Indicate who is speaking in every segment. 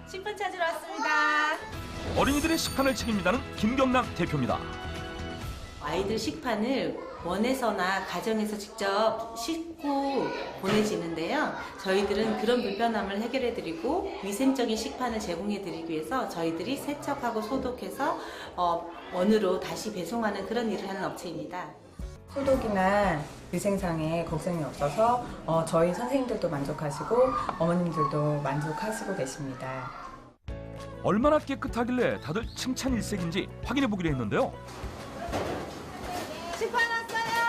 Speaker 1: 식판 찾으러 왔습니다.
Speaker 2: 어린이들의 식판을 책임진다는 김경남 대표입니다.
Speaker 3: 아이들 식판을 원에서나 가정에서 직접 씻고 보내지는데요. 저희들은 그런 불편함을 해결해드리고 위생적인 식판을 제공해드리기 위해서 저희들이 세척하고 소독해서 원으로 다시 배송하는 그런 일을 하는 업체입니다.
Speaker 4: 소독이나 위생상에 걱정이 없어서 저희 선생님들도 만족하시고 어머님들도 만족하시고 계십니다.
Speaker 2: 얼마나 깨끗하길래 다들 칭찬 일색인지 확인해 보기로 했는데요.
Speaker 1: 식판 왔어요.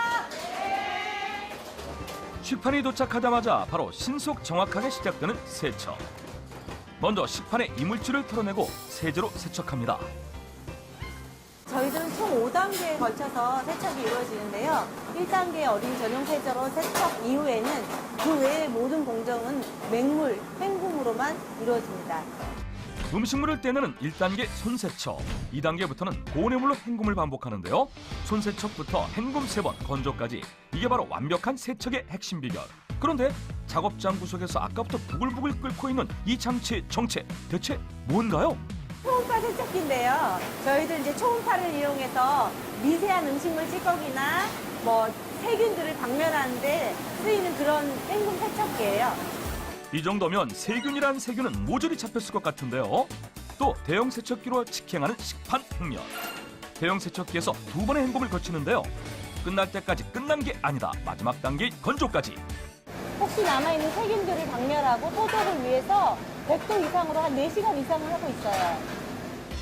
Speaker 2: 식판이 도착하자마자 바로 신속 정확하게 시작되는 세척. 먼저 식판의 이물질을 털어내고 세제로 세척합니다.
Speaker 5: 저희들은 총 5단계에 걸쳐서 세척이 이루어지는데요. 1단계 어린이 전용 세제로 세척 이후에는 그 외의 모든 공정은 맹물, 헹굼으로만 이루어집니다.
Speaker 2: 음식물을 떼내는 1단계 손세척, 2단계부터는 고온의물로 헹굼을 반복하는데요. 손세척부터 헹굼 3번, 건조까지 이게 바로 완벽한 세척의 핵심 비결. 그런데 작업장 구석에서 아까부터 부글부글 끓고 있는 이 장치의 정체 대체 뭔가요?
Speaker 5: 초음파 세척기인데요. 저희들 이제 초음파를 이용해서 미세한 음식물 찌꺼기나 세균들을 박멸하는데 쓰이는 그런 헹굼 세척기예요.
Speaker 2: 이 정도면 세균이란 세균은 모조리 잡혔을 것 같은데요. 또 대형 세척기로 직행하는 식판 횡령. 대형 세척기에서 2번의 헹굼을 거치는데요. 끝날 때까지 끝난 게 아니다. 마지막 단계인 건조까지.
Speaker 5: 혹시 남아있는 세균들을 박멸하고 소독을 위해서 100도 이상으로 한 4시간 이상을 하고 있어요.